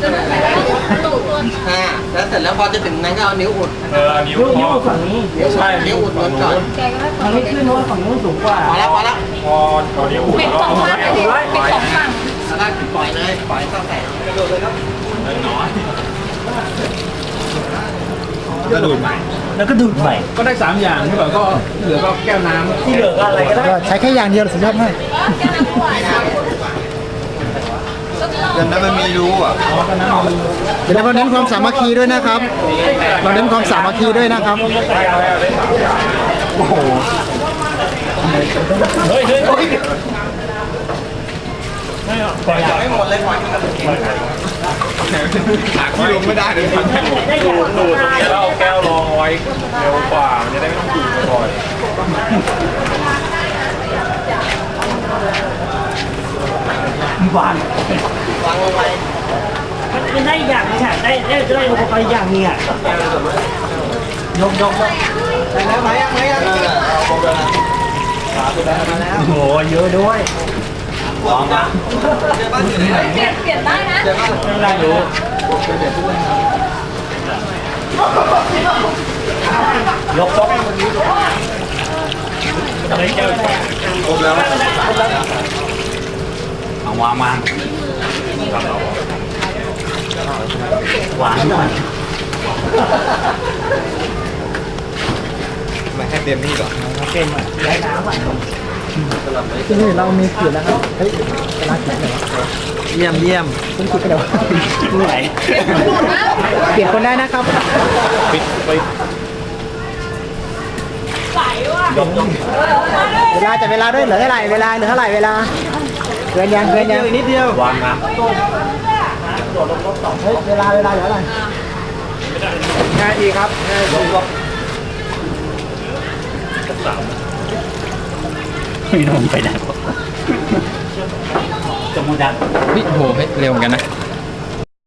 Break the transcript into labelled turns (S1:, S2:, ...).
S1: แล้วเสร็จแล้วพอจะถึงนั้นก็เอานิ้วอุด
S2: นิ้วฝั่งนี้
S1: ใช่นิ้วอุดก่อน
S2: ฝั่งนี้ขึ้นเพราะว่าฝั่งนู้นสูงกว่า
S1: พอแล้วพอนิ้วอุด
S3: เป็นสองฝั่งเป็นสองฝั่ง
S1: แล้วก็ปล่อยเลยปล่อยเข้าแต่กระโดดเลยครับน้อยกระโดดใหม่
S2: แล้วก็ดูดใหม่
S4: ก็ได้3อย่างที่แบบก็เหลือก็แก้วน้ำ
S2: ที่เหลือก็อะไรก็ได้
S5: ใช้แค่อย่างเดียวสุดยอดมาก
S1: เดี๋ยวนั้นมันมีรู้อ่ะ
S5: เดี๋ยวเราเน้นความสามัคคีด้วยนะครับเราเน้นความสามัคคีด้วยนะครับ
S2: โอ้โหเฮ้ย
S1: ปล่อยไม่หมดเลยปล่อยที่ลงไม่ได้เลย
S2: ดูดตรงนี้แล้วเอาแก้วรองไว้เร็วกว่ามันจะได้ไม่ต้องดูดบ่อยวาง
S1: ลงไป
S2: มันได้อย่างนึงค่ะได้อุปกรณ์อย่างนึงอ่ะยก
S1: ไปแล้วไหม
S2: โอ้โหเยอะด้วยวางมา
S3: เปลี่ยนได้นะ
S2: ไม่ได้ดูยกอะไรเจ้า
S1: ครบแล้ว
S2: เอาวางมาหวานหน่อย
S1: มาให้เตรียมนี่ก่อน
S2: เต็มอ่ะย้ายน้ำอ่ะ
S5: ที่นี่เรามีขีดแล้วครับเฮ้ยกระลาขีดเหรอ
S1: เยี่ยม
S5: คุณขีดไปแล้ว
S2: ที่ไหน
S5: เปลี่ยนคนได้นะครับ
S2: ปิดไป
S5: เวลาจับเวลาด้วยเหลือเท่าไหร่เวลาเกินยัง
S1: นิดเดียว
S2: วางน้ำ
S5: เฮ้ยเวลาเหลือเท่าไหร่
S1: ง่ายดีครับง่ายลง
S2: ไม่ลงไปไหนจะมุดัน
S1: โอ้โหเร็วเหมือนกันนะ